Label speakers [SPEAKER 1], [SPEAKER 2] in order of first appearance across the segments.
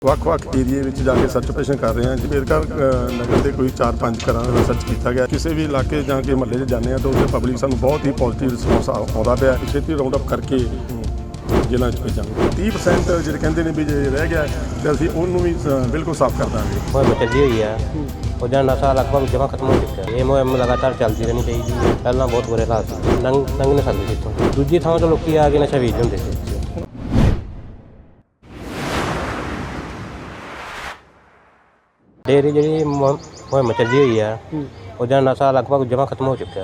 [SPEAKER 1] ਵੱਖ-ਵੱਖ ਏਰੀਏ ਵਿੱਚ ਜਾ ਕੇ ਸਰਚ ਆਪਰੇਸ਼ਨ ਕਰ ਰਹੇ ਹਾਂ। ਅੰਬੇਦਕਰ ਨਗਰ ਦੇ ਕੋਈ 4-5 ਘਰਾਂ ਦਾ ਸਰਚ ਕੀਤਾ ਗਿਆ। ਕਿਸੇ ਵੀ ਇਲਾਕੇ ਜਾਂ ਕਿ ਮੁਹੱਲੇ 'ਚ ਜਾਂਦੇ ਹਾਂ ਤਾਂ ਉੱਥੇ ਪਬਲਿਕ ਸਾਨੂੰ ਬਹੁਤ ਹੀ ਪੋਜ਼ਿਟਿਵ ਰਿਸਪੌਂਸ ਆਉਂਦਾ ਪਿਆ। ਛੇਤੀ ਰਾਉਂਡ ਅਪ ਕਰਕੇ ਜ਼ਿਲ੍ਹਾ 'ਚ ਭੇਜਾਂਗੇ। 30% ਜਿਹੜੇ ਕਹਿੰਦੇ ਨੇ ਵੀ ਜੇ ਰਹਿ ਗਿਆ ਤਾਂ ਅਸੀਂ ਉਹਨੂੰ ਵੀ ਬਿਲਕੁਲ ਸਾਫ਼ ਕਰ ਦਾਂਗੇ।
[SPEAKER 2] ਮੁਹਿੰਮ ਚੱਲੀ ਹੋਈ ਆ, ਉਹਦਾ ਨਸ਼ਾ ਲਗਭਗ ਜਮਾਂ ਖਤਮ ਹੋ ਚੁੱਕਿਆ। ਇਹ ਮੁਹਿੰਮ ਲਗਾਤਾਰ ਚੱਲਦੀ ਰਹਿਣੀ ਚਾਹੀਦੀ ਹੈ। ਪਹਿਲਾਂ ਬਹੁਤ ਬੁਰੇ ਹਾਲਾਤ ਸੀ, ਲੰਘ ਨਹੀਂ ਸਕਦੇ ਸੀ ਇੱਥੋਂ। ਦੂਜੀ ਥਾਂ ਤੋਂ ਲੋਕੀ ਆ ਕੇ ਨਸ਼ਾ ਵੇਚਦੇ ਹੁੰਦੇ ਸੀ। ਡੇਰੀ ਜਿਹੜੀ ਮੁਹਿੰਮ ਚੱਲੀ ਹੋਈ ਆ, ਉਹਦਾ ਨਸ਼ਾ ਲਗਭਗ ਜਮਾਂ ਖਤਮ ਹੋ ਚੁੱਕਿਆ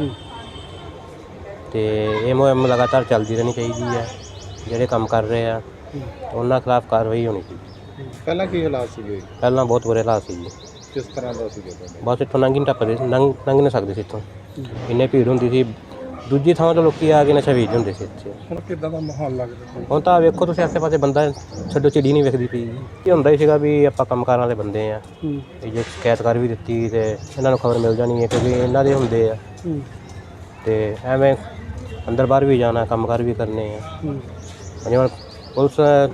[SPEAKER 2] ਅਤੇ ਇਹ ਮੁਹਿੰਮ ਲਗਾਤਾਰ ਚੱਲਦੀ ਰਹਿਣੀ ਚਾਹੀਦੀ ਹੈ। ਜਿਹੜੇ ਕੰਮ ਕਰ ਰਹੇ ਆ ਉਹਨਾਂ ਖਿਲਾਫ ਕਾਰਵਾਈ ਹੋਣੀ ਚਾਹੀਦੀ।
[SPEAKER 3] ਪਹਿਲਾਂ ਕੀ ਹਾਲਾਤ ਸੀਗੇ?
[SPEAKER 2] ਪਹਿਲਾਂ ਬਹੁਤ ਬੁਰੇ ਹਾਲਾਤ ਸੀ ਜੀ।
[SPEAKER 3] ਕਿਸ ਤਰ੍ਹਾਂ ਦਾ ਸੀਗਾ?
[SPEAKER 2] ਬਸ ਇੱਥੋਂ ਲੰਘ ਨਹੀਂ ਟੱਪਦੇ, ਲੰਘ ਨਹੀਂ ਸਕਦੇ ਸੀ ਇੱਥੋਂ, ਇੰਨੇ ਭੀੜ ਹੁੰਦੀ ਸੀ। ਦੂਜੀ ਥਾਂ ਤੋਂ ਲੋਕੀ ਆ ਕੇ ਨਸ਼ਾ ਵੇਚਦੇ ਹੁੰਦੇ ਸੀ ਇੱਥੇ।
[SPEAKER 3] ਹੁਣ ਕਿੱਦਾਂ ਦਾ ਮਾਹੌਲ ਲੱਗਦਾ?
[SPEAKER 2] ਹੁਣ ਤਾਂ ਵੇਖੋ ਤੁਸੀਂ ਆਸੇ ਪਾਸੇ ਬੰਦਾ ਛੱਡੋ ਚਿੜੀ ਨਹੀਂ ਵੇਖਦੀ ਪਈ। ਇਹ ਹੁੰਦਾ ਹੀ ਸੀਗਾ ਵੀ ਆਪਾਂ ਕੰਮ ਕਰਨ ਵਾਲੇ ਬੰਦੇ ਆ, ਇਹ ਜੇ ਸ਼ਿਕਾਇਤ ਕਰ ਵੀ ਦਿੱਤੀ ਤੇ ਇਹਨਾਂ ਨੂੰ ਖਬਰ ਮਿਲ ਜਾਣੀ ਹੈ ਕਿਉਂਕਿ ਇਹਨਾਂ ਦੇ ਹੁੰਦੇ ਆ। ਤੇ ਐਵੇਂ ਅੰਦਰ ਬਾਹਰ ਵੀ ਜਾਣਾ, ਕੰਮ ਕਾਰ ਵੀ ਕਰਨੇ ਆ। ਜਿਵੇਂ ਪੁਲਿਸ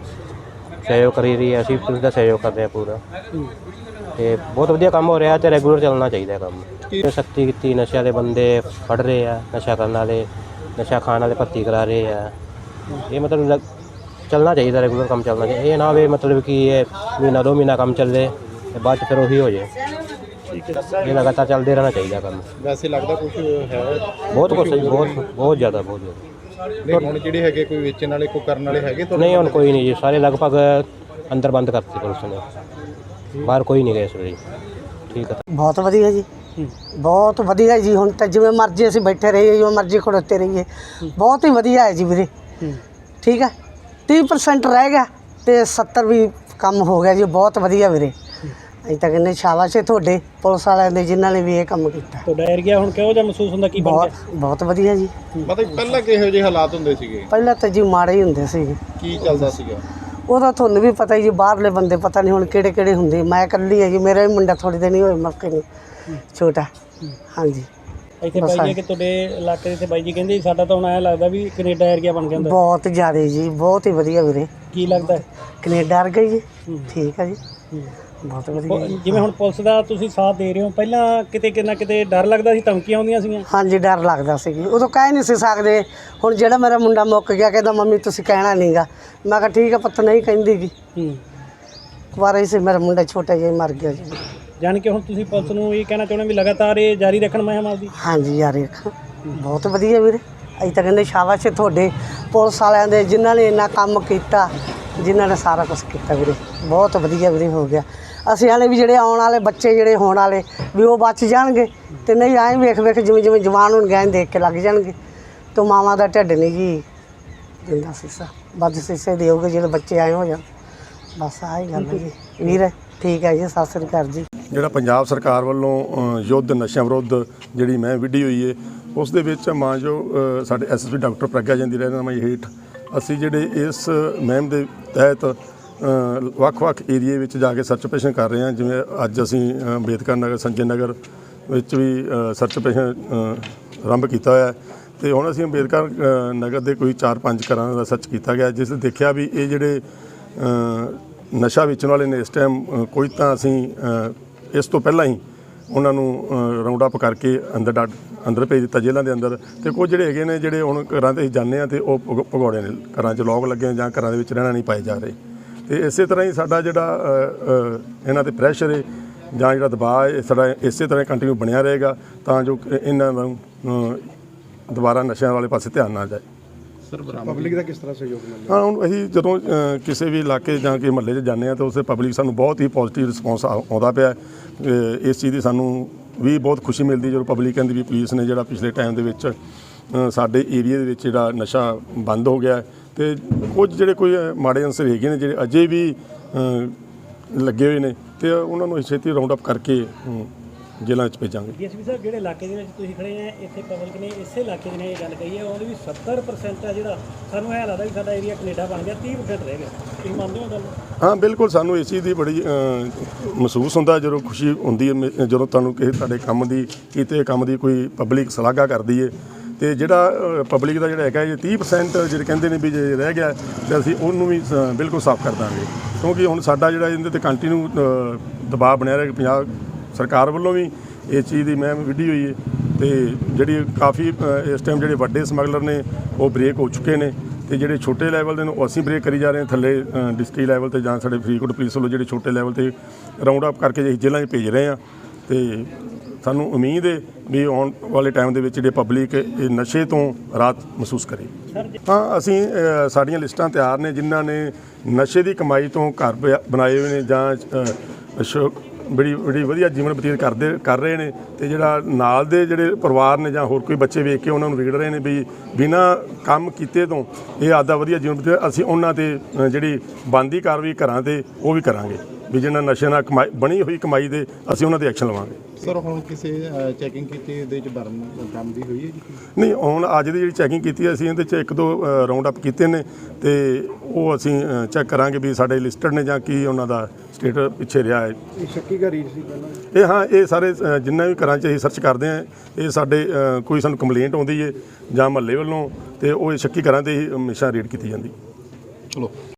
[SPEAKER 2] ਸਹਿਯੋਗ ਕਰੀ ਰਹੀ ਹੈ, ਅਸੀਂ ਪੁਲਿਸ ਦਾ ਸਹਿਯੋਗ ਕਰ ਰਹੇ ਹਾਂ ਪੂਰਾ। ਤੇ ਬਹੁਤ ਵਧੀਆ ਕੰਮ ਹੋ ਰਿਹਾ ਤੇ ਰੈਗੂਲਰ ਚੱਲਣਾ ਚਾਹੀਦਾ ਕੰਮ। ਸਖਤੀ ਕੀਤੀ, ਨਸ਼ਿਆਂ ਦੇ ਬੰਦੇ ਫੜ ਰਹੇ ਆ, ਨਸ਼ਾ ਕਰਨ ਵਾਲੇ, ਨਸ਼ਾ ਖਾਣ ਵਾਲੇ ਭਰਤੀ ਕਰਾ ਰਹੇ ਆ। ਇਹ ਮਤਲਬ ਚੱਲਣਾ ਚਾਹੀਦਾ, ਰੈਗੂਲਰ ਕੰਮ ਚੱਲਣਾ ਚਾਹੀਦਾ। ਇਹ ਨਾ ਹੋਵੇ ਮਤਲਬ ਕਿ ਇਹ ਮਹੀਨਾ 2 ਮਹੀਨਾ ਕੰਮ ਚੱਲੇ ਤੇ ਬਾਅਦ 'ਚ ਫਿਰ ਉਹੀ ਹੋ ਜਾਏ। ਇਹ ਲਗਾਤਾਰ ਚੱਲਦੇ ਰਹਿਣਾ ਚਾਹੀਦਾ ਕੰਮ।
[SPEAKER 3] ਵੈਸੇ ਲੱਗਦਾ ਕੁਝ ਹੈ?
[SPEAKER 2] ਬਹੁਤ ਕੁਛ, ਬਹੁਤ ਜ਼ਿਆਦਾ।
[SPEAKER 3] ਹੁਣ ਜਿਹੜੇ ਹੈਗੇ ਕੋਈ ਵੇਚਣ ਵਾਲੇ, ਕੋਈ ਕਰਨ ਵਾਲੇ ਹੈਗੇ?
[SPEAKER 2] ਨਹੀਂ, ਹੁਣ ਕੋਈ ਨਹੀਂ ਜੀ, ਸਾਰੇ ਲਗਭਗ ਅੰਦਰ ਬੰਦ ਕਰਤੇ ਪੁਲਿਸ ਨੇ, ਬਾਹਰ ਕੋਈ ਨਹੀਂ ਗਏ ਇਸ ਵੇਲੇ। ਠੀਕ ਹੈ,
[SPEAKER 4] ਬਹੁਤ ਵਧੀਆ ਜੀ, ਬਹੁਤ ਵਧੀਆ ਜੀ। ਹੁਣ ਤਾਂ ਜਿਵੇਂ ਮਰਜ਼ੀ ਅਸੀਂ ਬੈਠੇ ਰਹੀਏ, ਜਿਵੇਂ ਮਰਜ਼ੀ ਖੜੋਤੇ ਰਹੀਏ, ਬਹੁਤ ਹੀ ਵਧੀਆ ਹੈ ਜੀ ਵੀਰੇ। ਠੀਕ ਹੈ, 30% ਰਹਿ ਗਿਆ ਤੇ 70 ਵੀ ਕੰਮ ਹੋ ਗਿਆ ਜੀ। ਬਹੁਤ ਵਧੀਆ ਵੀਰੇ। ਅਸੀਂ ਤਾਂ ਕਹਿੰਦੇ ਸ਼ਾਬਾਸ਼ ਹੈ ਤੁਹਾਡੇ ਪੁਲਿਸ ਵਾਲਿਆਂ ਦੇ ਜਿਨ੍ਹਾਂ ਨੇ ਵੀ ਇਹ ਕੰਮ ਕੀਤਾ।
[SPEAKER 5] ਤੁਹਾਡਾ ਏਰੀਆ ਹੁਣ ਕਿਹੋ ਜਿਹਾ ਮਹਿਸੂਸ ਹੁੰਦਾ? ਕੀ
[SPEAKER 4] ਬਹੁਤ ਵਧੀਆ ਜੀ।
[SPEAKER 3] ਮਤਲਬ ਪਹਿਲਾਂ ਕਿਹੋ ਜਿਹੇ ਹਾਲਾਤ ਹੁੰਦੇ ਸੀਗੇ?
[SPEAKER 4] ਪਹਿਲਾਂ ਤਾਂ ਜੀ ਮਾੜੇ ਹੀ ਹੁੰਦੇ ਸੀ।
[SPEAKER 3] ਕੀ ਚੱਲਦਾ ਸੀਗਾ?
[SPEAKER 4] ਉਹਦਾ ਤੁਹਾਨੂੰ ਵੀ ਪਤਾ ਹੀ ਜੀ, ਬਾਹਰਲੇ ਬੰਦੇ ਪਤਾ ਨਹੀਂ ਹੁਣ ਕਿਹੜੇ ਕਿਹੜੇ ਹੁੰਦੇ। ਮੈਂ ਇਕੱਲੀ ਹੈ ਜੀ, ਮੇਰਾ ਵੀ ਮੁੰਡਾ ਥੋੜ੍ਹੀ ਦਿਨ ਹੀ ਹੋਏ ਮੌਕੇ ਨੂੰ, ਛੋਟਾ। ਹਾਂਜੀ,
[SPEAKER 5] ਇੱਥੇ ਬਾਈ ਜੀ ਕਿ ਤੁਹਾਡੇ ਇਲਾਕੇ ਦੇ ਇੱਥੇ ਬਾਈ ਜੀ ਕਹਿੰਦੇ ਸਾਡਾ ਤਾਂ ਹੁਣ ਐਂ ਲੱਗਦਾ ਵੀ ਕੈਨੇਡਾ ਏਰੀਆ ਬਣ ਗਿਆ ਹੁੰਦਾ।
[SPEAKER 4] ਬਹੁਤ ਜ਼ਿਆਦਾ ਜੀ, ਬਹੁਤ ਹੀ ਵਧੀਆ ਵੀਰੇ।
[SPEAKER 5] ਕੀ ਲੱਗਦਾ?
[SPEAKER 4] ਕੈਨੇਡਾ ਵਰਗਾ ਜੀ। ਠੀਕ ਹੈ ਜੀ, ਬਹੁਤ ਵਧੀਆ।
[SPEAKER 5] ਜਿਵੇਂ ਹੁਣ ਪੁਲਿਸ ਦਾ ਤੁਸੀਂ ਸਾਥ ਦੇ ਰਹੇ ਹੋ, ਪਹਿਲਾਂ ਕਿਤੇ ਨਾ ਕਿਤੇ ਡਰ ਲੱਗਦਾ ਸੀ, ਧਮਕੀਆਂ ਆਉਂਦੀਆਂ ਸੀਗੀਆਂ?
[SPEAKER 4] ਹਾਂਜੀ, ਡਰ ਲੱਗਦਾ ਸੀ ਜੀ। ਉਦੋਂ ਕਹਿ ਨਹੀਂ ਸੀ ਸਕਦੇ। ਹੁਣ ਜਿਹੜਾ ਮੇਰਾ ਮੁੰਡਾ ਮੁੱਕ ਗਿਆ, ਕਹਿੰਦਾ ਮੰਮੀ ਤੁਸੀਂ ਕਹਿਣਾ ਨਹੀਂਗਾ। ਮੈਂ ਕਿਹਾ ਠੀਕ ਹੈ ਪੁੱਤ, ਨਹੀਂ ਕਹਿੰਦੀ ਗੀ। ਕੁਆਰਾ ਹੀ ਸੀ ਮੇਰਾ ਮੁੰਡਾ, ਛੋਟਾ ਜਿਹਾ ਮਰ ਗਿਆ ਜੀ।
[SPEAKER 5] ਜਾਣੀ ਕਿ ਹੁਣ ਤੁਸੀਂ ਪੁਲਿਸ ਨੂੰ ਇਹ ਕਹਿਣਾ ਚਾਹੁੰਦੇ ਵੀ ਲਗਾਤਾਰ ਇਹ ਜਾਰੀ ਰੱਖਣ ਮੁਹਿੰਮ ਆਪਦੀ?
[SPEAKER 4] ਹਾਂਜੀ, ਜਾਰੀ ਰੱਖਣ। ਬਹੁਤ ਵਧੀਆ ਵੀਰੇ। ਅਸੀਂ ਤਾਂ ਕਹਿੰਦੇ ਸ਼ਾਬਾਸ਼ ਤੁਹਾਡੇ ਪੁਲਿਸ ਵਾਲਿਆਂ ਦੇ ਜਿਨ੍ਹਾਂ ਨੇ ਇੰਨਾ ਕੰਮ ਕੀਤਾ, ਜਿਨ੍ਹਾਂ ਨੇ ਸਾਰਾ ਕੁਛ ਕੀਤਾ ਵੀਰੇ। ਬਹੁਤ ਵਧੀਆ ਵੀਰੇ ਹੋ ਗਿਆ। ਅਸੀਂ ਹਾਲੇ ਵੀ ਜਿਹੜੇ ਆਉਣ ਵਾਲੇ ਬੱਚੇ ਜਿਹੜੇ ਹੋਣ ਵਾਲੇ ਵੀ ਉਹ ਬਚ ਜਾਣਗੇ ਤੇ ਨਹੀਂ ਐਂ ਵੇਖ ਜਿਵੇਂ ਜਿਵੇਂ ਜਵਾਨ ਹੋਣਗੇ ਐਂ ਦੇਖ ਕੇ ਲੱਗ ਜਾਣਗੇ। ਤੇ ਮਾਵਾਂ ਦਾ ਢਿੱਡ ਨਹੀਂ ਜੀ ਦਿੰਦਾ ਸੀਸਾ, ਵੱਧ ਸੀਸੇ ਦੇਓਗੇ ਜਿਹੜੇ ਬੱਚੇ ਆਏ ਹੋ ਜਾਣ। ਬਸ ਆਹ ਹੀ ਗੱਲ ਹੈ ਜੀ ਵੀਰ। ਠੀਕ ਹੈ ਜੀ, ਸਤਿ ਸ੍ਰੀ ਅਕਾਲ ਜੀ।
[SPEAKER 1] ਜਿਹੜਾ ਪੰਜਾਬ ਸਰਕਾਰ ਵੱਲੋਂ ਯੁੱਧ ਨਸ਼ਿਆਂ ਵਿਰੁੱਧ ਜਿਹੜੀ ਮੈਂ ਵਿੱਢੀ ਹੋਈ ਹੈ, ਉਸ ਦੇ ਵਿੱਚ ਮਾਨਯੋਗ ਸਾਡੇ ਐਸਐਸਪੀ ਡਾਕਟਰ ਪ੍ਰਗਿਆ ਜੀ ਦੀ ਰਹਿਨੁਮਾਈ ਹੇਠ ਅਸੀਂ ਜਿਹੜੇ ਇਸ ਮੁਹਿੰਮ ਦੇ ਤਹਿਤ ਵੱਖ-ਵੱਖ ਏਰੀਏ ਵਿੱਚ ਜਾ ਕੇ ਸਰਚ ਆਪਰੇਸ਼ਨ ਕਰ ਰਹੇ ਹਾਂ। ਜਿਵੇਂ ਅੱਜ ਅਸੀਂ ਅੰਬੇਦਕਰ ਨਗਰ, ਸੰਜੇ ਨਗਰ ਵਿੱਚ ਵੀ ਸਰਚ ਆਪਰੇਸ਼ਨ ਆਰੰਭ ਕੀਤਾ ਹੋਇਆ ਹੈ। ਅਤੇ ਹੁਣ ਅਸੀਂ ਅੰਬੇਦਕਰ ਨਗਰ ਦੇ ਕੋਈ 4-5 ਘਰਾਂ ਦਾ ਸਰਚ ਕੀਤਾ ਗਿਆ, ਜਿਸ ਦੇਖਿਆ ਵੀ ਇਹ ਜਿਹੜੇ ਨਸ਼ਾ ਵੇਚਣ ਵਾਲੇ ਨੇ ਇਸ ਟਾਈਮ ਕੋਈ ਤਾਂ ਅਸੀਂ ਇਸ ਤੋਂ ਪਹਿਲਾਂ ਹੀ ਉਹਨਾਂ ਨੂੰ ਰਾਉਂਡ ਅਪ ਕਰਕੇ ਅੰਦਰ ਭੇਜ ਦਿੱਤਾ ਜੇਲ੍ਹਾਂ ਦੇ ਅੰਦਰ। ਅਤੇ ਕੁਝ ਜਿਹੜੇ ਹੈਗੇ ਨੇ ਜਿਹੜੇ ਹੁਣ ਘਰਾਂ 'ਤੇ ਅਸੀਂ ਜਾਂਦੇ ਹਾਂ ਅਤੇ ਉਹ ਭਗੌੜੇ ਨੇ, ਘਰਾਂ 'ਚ ਲੋਕ ਲੱਗੇ ਜਾਂ ਘਰਾਂ ਦੇ ਵਿੱਚ ਰਹਿਣਾ ਨਹੀਂ ਪਾਏ ਜਾ ਰਹੇ। ਅਤੇ ਇਸੇ ਤਰ੍ਹਾਂ ਹੀ ਸਾਡਾ ਜਿਹੜਾ ਇਹਨਾਂ 'ਤੇ ਪ੍ਰੈਸ਼ਰ ਹੈ ਜਾਂ ਜਿਹੜਾ ਦਬਾਅ ਹੈ ਸਾਡਾ ਇਸੇ ਤਰ੍ਹਾਂ ਕੰਟੀਨਿਊ ਬਣਿਆ ਰਹੇਗਾ ਤਾਂ ਜੋ ਇਹਨਾਂ ਨੂੰ ਦੁਬਾਰਾ ਨਸ਼ਿਆਂ ਵਾਲੇ ਪਾਸੇ ਧਿਆਨ ਨਾ ਜਾਏ।
[SPEAKER 3] ਸਰ, ਪਬਲਿਕ ਦਾ ਕਿਸ ਤਰ੍ਹਾਂ ਸਹਿਯੋਗ ਮਿਲਦਾ?
[SPEAKER 1] ਹਾਂ, ਹੁਣ ਅਸੀਂ ਜਦੋਂ ਕਿਸੇ ਵੀ ਇਲਾਕੇ ਜਾਂ ਕਿ ਮੁਹੱਲੇ 'ਚ ਜਾਂਦੇ ਹਾਂ ਤਾਂ ਉਸੇ ਪਬਲਿਕ ਸਾਨੂੰ ਬਹੁਤ ਹੀ ਪੋਜ਼ੀਟਿਵ ਰਿਸਪੌਂਸ ਆਉਂਦਾ ਪਿਆ। ਇਸ ਚੀਜ਼ ਦੀ ਸਾਨੂੰ ਵੀ ਬਹੁਤ ਖੁਸ਼ੀ ਮਿਲਦੀ ਜਦੋਂ ਪਬਲਿਕ ਕਹਿੰਦੀ ਵੀ ਪੁਲਿਸ ਨੇ ਜਿਹੜਾ ਪਿਛਲੇ ਟਾਈਮ ਦੇ ਵਿੱਚ ਸਾਡੇ ਏਰੀਏ ਦੇ ਵਿੱਚ ਜਿਹੜਾ ਨਸ਼ਾ ਬੰਦ ਹੋ ਗਿਆ। ਅਤੇ ਕੁਝ ਜਿਹੜੇ ਕੋਈ ਮਾੜੇ ਅਨਸਰ ਹੈਗੇ ਨੇ ਜਿਹੜੇ ਅਜੇ ਵੀ ਲੱਗੇ ਹੋਏ ਨੇ ਅਤੇ ਉਹਨਾਂ ਨੂੰ ਛੇਤੀ ਰਾਉਂਡ ਅਪ ਕਰਕੇ ਜੇਲ੍ਹਾਂ 'ਚ ਭੇਜਾਂਗੇ।
[SPEAKER 5] ਡੀਐਸਪੀ ਸਾਹਿਬ, ਜਿਹੜੇ ਇਲਾਕੇ ਦੇ ਵਿੱਚ ਤੁਸੀਂ ਖੜੇ ਆ, ਇੱਥੇ ਪਬਲਿਕ ਨੇ ਇਸੇ ਇਲਾਕੇ ਦੀ ਨੇ ਇਹ ਗੱਲ ਕਹੀ ਹੈ, ਉਹਦੇ ਵੀ 70% ਹੈ ਜਿਹੜਾ ਸਾਨੂੰ ਇਹ ਲੱਗਦਾ ਵੀ ਸਾਡਾ ਏਰੀਆ ਕੈਨੇਡਾ ਬਣ ਗਿਆ, 30% ਰਹਿ ਗਿਆ। ਤੁਸੀਂ ਮੰਨਦੇ ਹੋ ਗੱਲ?
[SPEAKER 1] ਹਾਂ, ਬਿਲਕੁਲ। ਸਾਨੂੰ ਇਸ ਚੀਜ਼ ਦੀ ਬੜੀ ਮਹਿਸੂਸ ਹੁੰਦਾ ਜਦੋਂ ਖੁਸ਼ੀ ਹੁੰਦੀ ਹੈ ਜਦੋਂ ਤੁਹਾਨੂੰ ਕਿਸੇ ਤੁਹਾਡੇ ਕੰਮ ਦੀ ਕੀਤੇ ਕੰਮ ਦੀ ਕੋਈ ਪਬਲਿਕ ਸ਼ਲਾਘਾ ਕਰਦੀ ਹੈ। ਤੇ ਜਿਹੜਾ ਪਬਲਿਕ ਦਾ ਜਿਹੜਾ ਹੈਗਾ ਇਹ 30% ਜਿਹੜੇ ਕਹਿੰਦੇ ਨੇ ਵੀ ਜੇ ਰਹਿ ਗਿਆ ਤੇ ਅਸੀਂ ਉਹਨੂੰ ਵੀ ਬਿਲਕੁਲ ਸਾਫ਼ ਕਰ ਦਾਂਗੇ, ਕਿਉਂਕਿ ਹੁਣ ਸਾਡਾ ਜਿਹੜਾ ਇਹਦੇ ਤੇ ਕੰਟੀਨਿਊ ਦਬਾਅ ਬਣਿਆ ਰਿਹਾ ਕਿ ਪੰਜਾਬ ਸਰਕਾਰ ਵੱਲੋਂ ਵੀ ਇਸ ਚੀਜ਼ ਦੀ ਮੈਂ ਵਿੱਢੀ ਹੋਈ ਹੈ ਤੇ ਜਿਹੜੀ ਕਾਫੀ ਇਸ ਟਾਈਮ ਜਿਹੜੇ ਵੱਡੇ ਸਮਗਲਰ ਨੇ ਉਹ ਬ੍ਰੇਕ ਹੋ ਚੁੱਕੇ ਨੇ ਤੇ ਜਿਹੜੇ ਛੋਟੇ ਲੈਵਲ ਦੇ ਨੇ ਉਹ ਅਸੀਂ ਬ੍ਰੇਕ ਕਰੀ ਜਾ ਰਹੇ ਹਾਂ। ਥੱਲੇ ਡਿਸਟ੍ਰਿਕਟ ਲੈਵਲ ਤੇ ਜਾਂ ਸਾਡੇ ਫਰੀਦਕੋਟ ਪੁਲਿਸ ਵੱਲੋਂ ਜਿਹੜੇ ਛੋਟੇ ਲੈਵਲ ਤੇ ਰਾਉਂਡ ਅਪ ਕਰਕੇ ਜੇ ਜ਼ਿਲ੍ਹਿਆਂ 'ਚ ਭੇਜ ਰਹੇ ਹਾਂ ਤੇ ਸਾਨੂੰ ਉਮੀਦ ਹੈ ਵੀ ਆਉਣ ਵਾਲੇ ਟਾਈਮ ਦੇ ਵਿੱਚ ਜਿਹੜੇ ਪਬਲਿਕ ਇਹ ਨਸ਼ੇ ਤੋਂ ਰਾਹਤ ਮਹਿਸੂਸ ਕਰੇ। ਹਾਂ, ਅਸੀਂ ਸਾਡੀਆਂ ਲਿਸਟਾਂ ਤਿਆਰ ਨੇ ਜਿਨ੍ਹਾਂ ਨੇ ਨਸ਼ੇ ਦੀ ਕਮਾਈ ਤੋਂ ਘਰ ਬਣਾਏ ਹੋਏ ਨੇ ਜਾਂ ਬੜੀ ਵਧੀਆ ਜੀਵਨ ਬਤੀਤ ਕਰ ਰਹੇ ਨੇ ਤੇ ਜਿਹੜਾ ਨਾਲ ਦੇ ਜਿਹੜੇ ਪਰਿਵਾਰ ਨੇ ਜਾਂ ਹੋਰ ਕੋਈ ਬੱਚੇ ਵੇਖ ਕੇ ਉਹਨਾਂ ਨੂੰ ਵਿਗੜ ਰਹੇ ਨੇ ਵੀ ਬਿਨਾਂ ਕੰਮ ਕੀਤੇ ਤੋਂ ਇਹ ਆਪਦਾ ਵਧੀਆ ਜੀਵਨ ਬਤੀਤ, ਅਸੀਂ ਉਹਨਾਂ ਤੇ ਜਿਹੜੀ ਬਣਦੀ ਕਾਰਵਾਈ ਘਰਾਂ ਤੇ ਉਹ ਵੀ ਕਰਾਂਗੇ ਵੀ ਜਿਹਨਾਂ ਨਸ਼ੇ ਨਾਲ ਬਣੀ ਹੋਈ ਕਮਾਈ ਦੇ ਅਸੀਂ ਉਹਨਾਂ ਤੇ ਐਕਸ਼ਨ ਲਵਾਂਗੇ।
[SPEAKER 3] ਸਰ ਹੁਣ ਕਿਸੇ ਚੈਕਿੰਗ ਕੀਤੀ ਇਹਦੇ ਚ ਬਰਾਮਦ ਹੋਈ ਹੈ ਜੀ?
[SPEAKER 1] ਨਹੀਂ, ਹੁਣ ਅੱਜ ਦੀ ਜਿਹੜੀ ਚੈਕਿੰਗ ਕੀਤੀ ਅਸੀਂ ਇਹਦੇ 'ਚ 1-2 ਰਾਉਂਡ ਅਪ ਕੀਤੇ ਨੇ ਤੇ ਉਹ ਅਸੀਂ ਚੈੱਕ ਕਰਾਂਗੇ ਵੀ ਸਾਡੇ ਲਿਸਟਡ ਨੇ ਜਾਂ ਕੀ ਉਹਨਾਂ ਦਾ ਸਟੇਟਸ ਪਿੱਛੇ ਰਿਹਾ ਹੈ।
[SPEAKER 3] ਇਹ ਸ਼ੱਕੀ ਘਰੀ ਸੀ ਪਹਿਲਾਂ
[SPEAKER 1] ਇਹ ਹਾਂ, ਇਹ ਸਾਰੇ ਜਿੰਨਾ ਵੀ ਘਰਾਂ 'ਚ ਅਸੀਂ ਸਰਚ ਕਰਦੇ ਹਾਂ ਇਹ ਸਾਡੇ ਕੋਈ ਸਾਨੂੰ ਕੰਪਲੇਂਟ ਆਉਂਦੀ ਹੈ ਜਾਂ ਮਹੱਲੇ ਵੱਲੋਂ ਤੇ ਉਹ ਸ਼ੱਕੀ ਘਰਾਂ ਤੇ ਹੀ ਹਮੇਸ਼ਾ ਰੇਡ ਕੀਤੀ ਜਾਂਦੀ।
[SPEAKER 3] ਚਲੋ।